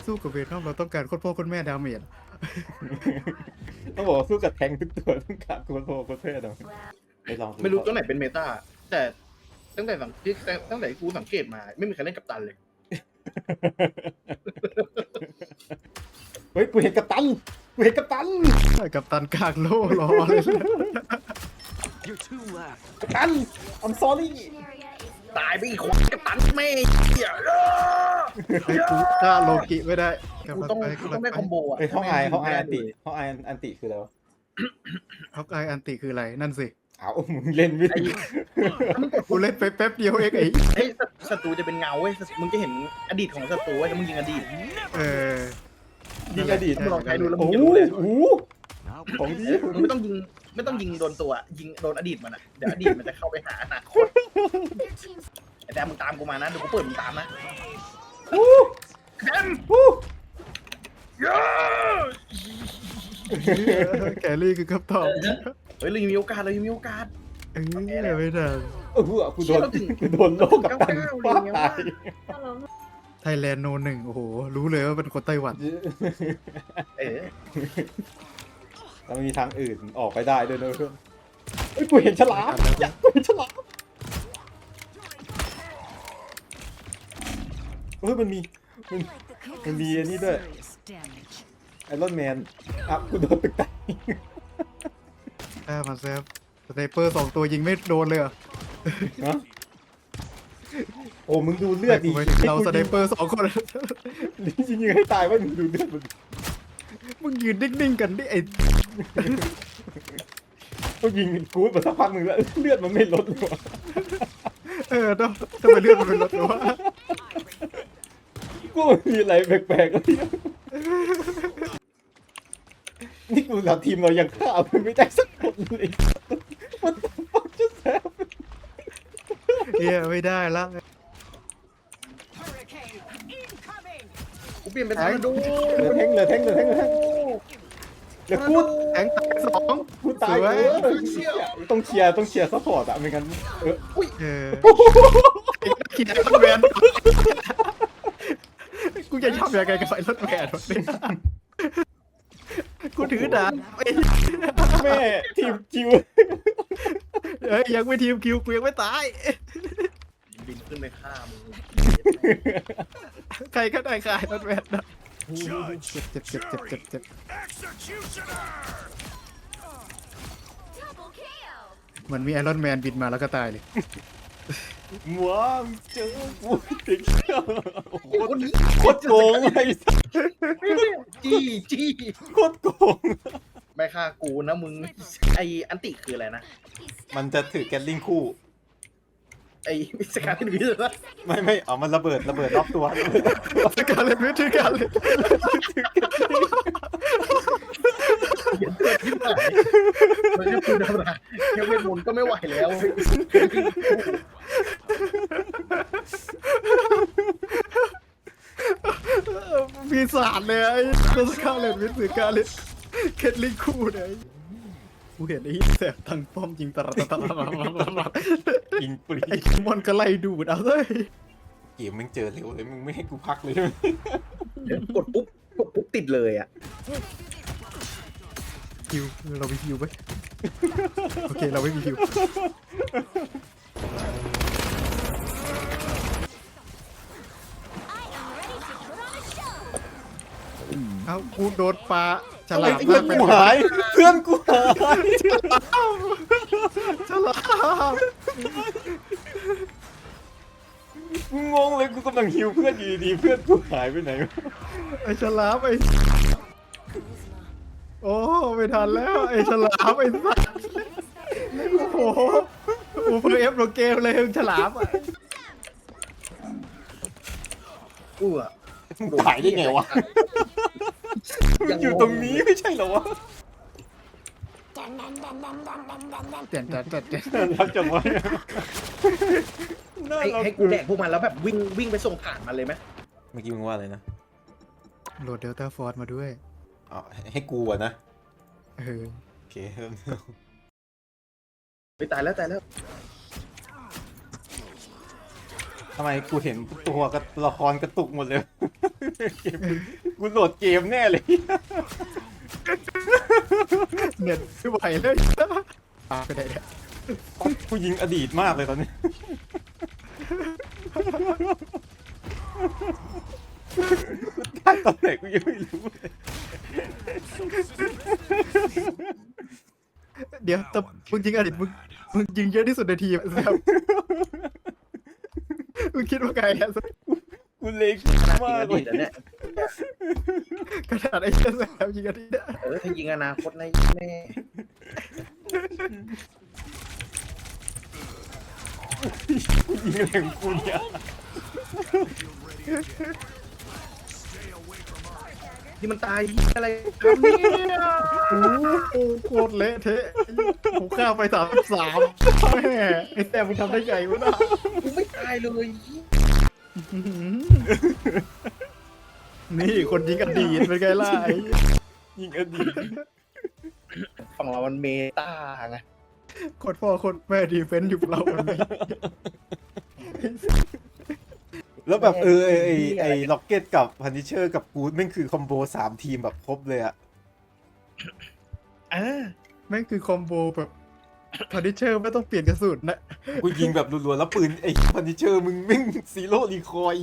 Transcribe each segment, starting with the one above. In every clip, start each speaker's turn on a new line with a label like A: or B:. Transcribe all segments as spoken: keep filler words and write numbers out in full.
A: สู้กับเวนอมเราต้องการโคตรพ่อโคตรแม่ดาเมจ
B: ต้องบอกว่าสู้กับแทงทุกตัวต้องการโคตรโหดโคตรเท่นะไปลองดู
C: ไม่รู้ตัวไหนเป็นเมตาแต่ตั้งแต่สังที่ตั้งแต่กูสังเกตมาไม่มีใครเล่นกับตันเลย
B: เฮ้ยกูเห็นกัปตันกูเห็นกัปตัน
A: กับตันกลางโล่รอเลย
D: You're two left.
B: กัปตัน I'm sorry
C: ตายไปอีกคนกับตันแม่เหี้ย
A: ไอ้กูฆ่าโลกิไม่ได้
C: กูต้องกูต้องได้คอมโบอ่ะ
B: เฮ้ยห้องไอห้องไออันติห้องไออันติคืออะไรวะ
A: ฮอกอายอันติคืออะไรนั่นสิ
B: อ้าวมึงเล่นไม่ถึง
A: กูเล่นไปแป๊บเดียวเองไอ้
C: เฮ้ยศัตรูจะเป็นเงาเว้ยมึงจะเห็นอดีตของศัตรูเว้ยแล้วมึงยิงอดีต
A: เออ
B: ยิงอดีต
C: มึงลองใช้ดูแล้วมึ
B: โอ้
C: ง
B: โห
C: จะรู้เลย
B: โอ้โห
D: Now
B: ของดี
C: มึงไม่ต้องยิงไม่ต้องยิงโดนตัวยิงโดนอดีตมันอ่ะเดี๋ยวอดีตมันจะเข้าไปหาอนาคตไอ้แดมมึงตามกูมานะเดี๋ยวกูเปิดมึงตามนะ
B: อู้
C: แดม
B: อู้
A: แครี่คือคำตอบ
C: เฮ้ยเรายังมีโอกาสเรายังมีโอกาส
A: เออไม่ได้
B: เออกูโดนกูโดนโลกกับตันฟาดตาย
A: ไทยแลนด์โนหนึ่งโอ้โห รู้เลยว่าเป็นคนไต้หวัน
C: เออ
B: แล้วมีทางอื่นออกไปได้ด้วยนะเพื่อนเฮ้ยกูเห็นฉลามอยากกูเห็นฉลามเฮ้ยมันมีมันมันมีอันนี้ด้วยไอรอนแมนอ่ะกูโดนตึกแตก
A: แอบมาแซฟสไนเปอร์สองตัวยิงไม่โดนเลยเหรอ
B: ฮะโอ้มึงดูเลือดดิ
A: เราสไนเปอร์สองคน
B: ยิงยิงให้ตายว่ามึงดูเลือดมัน
A: มึงยืนนิ่งๆกันดิไอ้
B: ก็ยิงกูดมาสักพักหนึ่งแล้วเลือดมันไม่ลดเลยวะ
A: เออต้องทำไมเลือดมันเป็นรถหรือว่า
B: กูมีอะไรแปลกๆแล้วเนี่ยนี่กูเราทีมเรายังฆ่ามันไม่ได้สักคนเลยมันต้องฟังจะแซ่บ
A: เฮียไม่ได้ละ
C: กูเปลี่ยนเป็นทางดู
B: เหลือแทงเหลือแทงเหลือแทงเหลือแทงเหลือกูด
A: แทงตายสอง
B: กูตาย
A: สวย
B: เออต้องเชียร์ต้องเชียร์ซัพพอร์ตอะไม่งั้นเออ
A: เออขี่ไอ้รถแวนกูจะทำยังไงกับไอ้รถแวนวะเนี่ยกูถือดาบไอ้
B: แม่ทีมจิว
A: เอ้ยยังไม่ทีมคิวกูยังไม่ตาย
C: บินขึ้นไปฆ่ามึง
A: ใครก็ได้ขายรถแวนนะ
D: Judge
A: เจ็บเจ็บเจ็บเจ็บเจ็บ
D: executioner.
A: เหมือนมีไอรอนแมนบินมาแล้วก็ตายเลย
B: ว้าวเจอกูติดเชื้อ
C: คนนี้
B: โคตรโกงเลย
C: จี้จี้
B: โคตรโกง
C: ไม่ฆ่ากูนะมึงไออันติคืออะไรนะ
B: มันจะถือแกลลิงคู่
C: ไอสการที่หนึ่งที่สุดนะ
B: ไม่ไม่เอามันระเบิดระเบิดรอบตัว
A: สการเล่นวิธีการเลย
C: เขียนเกิดที่ไหนมันจะพูดอะไรแค่เวทมนต์ก็ไม่ไหวแล้ว
A: ปีศาจเลยไอ้ตัวสการเล่นวิธีการเลยเคทลิงคู่เนี่ยกูเห็นไอ้แสบทางป้อมยิงตลอดตลอด
B: ยิงปรี
A: ไอ้มอนก็ไล่ดูดเอาเลย
B: เกมมึงเจอเร็วเลยมึงไม่ให้กูพักเลยใช่ไหม
C: กดปุ๊บกดปุ๊บติดเลยอ่ะ
A: ฮิวเราไม่ฮิวไหมโอเคเราไม่มีฮิวเอ้ากูโดนปลาฉลาม
B: เพื่อนกูหายเพื่อนกูหาย
A: ฉลาม
B: กูงงเลยกูกำลังฮิวเพื่อนอยู่ดีๆเพื่อนกูหายไปไหนวะ
A: ไอ้ฉลามไอ้โอ้ไม่ทันแล้วไอ้ฉลามไอ้สัสโอ้โหโอ้เพิ่งเอฟโรเกมเลยฉลามอ่ะ
C: กูอ่ะ
B: มึงหายได้ไงวะมันอยู่ตรงนี้ไม่ใช่เหรอวะ
A: เจ็ดเจ็ดเจ็ดเจ็ด
B: รักจังวะน่า
C: ให้
B: รัก
C: ให้กูแดกพวกมันแล้วแบบวิ่งวิ่งไปส่งผ่านมันเลยไหม
B: เมื่อกี้มึงว่าอะไรนะ
A: โหลดเดลต้าฟอร์สมาด้วย
B: อ๋อให้กูอะนะ
A: เออ
B: โอเค
C: ไปตายแล้วตายแล้ว
B: ทำไมกูเห็นตัวกับละครกระตุกหมดเลยเกมกูโหลดเกมแน่เลย
A: เน็ตไม่ไหวเลยตายไปไหนเนี่ย
B: กูยิงอดีตมากเลยตอนนี้ได้ตอนไหนกูยังไม่รู้เลย
A: เดี๋ยวแต่มึงยิงอดีตมึงมึงยิงเยอะที่สุดในทีมแซมมึงคิดว่าไงอะแซม
B: กูเล็ก
C: ขนาด
B: มา
C: ยิง
B: ก
C: อ
B: เล
C: ดี
B: ย
C: ตแล้วเนี่ย
A: ขนาดไอ้เหี้ยแซมยิงอดีตอะ
C: เออถ้ายิงอนาคตในแม่
B: กูยิงแรงกูเนี่ย
C: ที่มันตายอะไรครับเนี่ย
A: โอ้โหโคตรเละเทะผมฆ่าไปสามสามแม่ไอ้แซมมึงทำได้ไงวะน่ะ
C: กูไม่ตายเลย
A: นี่คนยิงอดีตเป็นไงล่ะไอ้
B: ยิงอดีต
C: ฝั่งเรามันเมตาไง
A: โคตรพ่อโคตรแม่ดีเฟนต์อยู่กับเราวันนี้
B: แล้วแบบเออไอไอไอล็อกเก็ตกับพันนิเชอร์กับกูดแม่งคือคอมโบสามทีมแบบครบเลยอะ
C: อ่า
A: แม่งคือคอมโบแบบพาริเชอร์ไม่ต้องเปลี่ยนกระสุนนะ
B: กูยิงแบบรัวๆแล้วปืนไอพันนิเชอร์มึงแม่งซีโร่รีคอย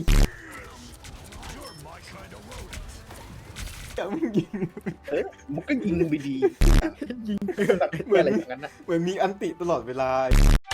B: แต่มึงยิง
C: เอ้ยมันก็ยิงไปดี
A: ยิงไป
C: แบบอะไรอย่างนั้นนะ
B: เหมือนมีอันติตลอดเวลา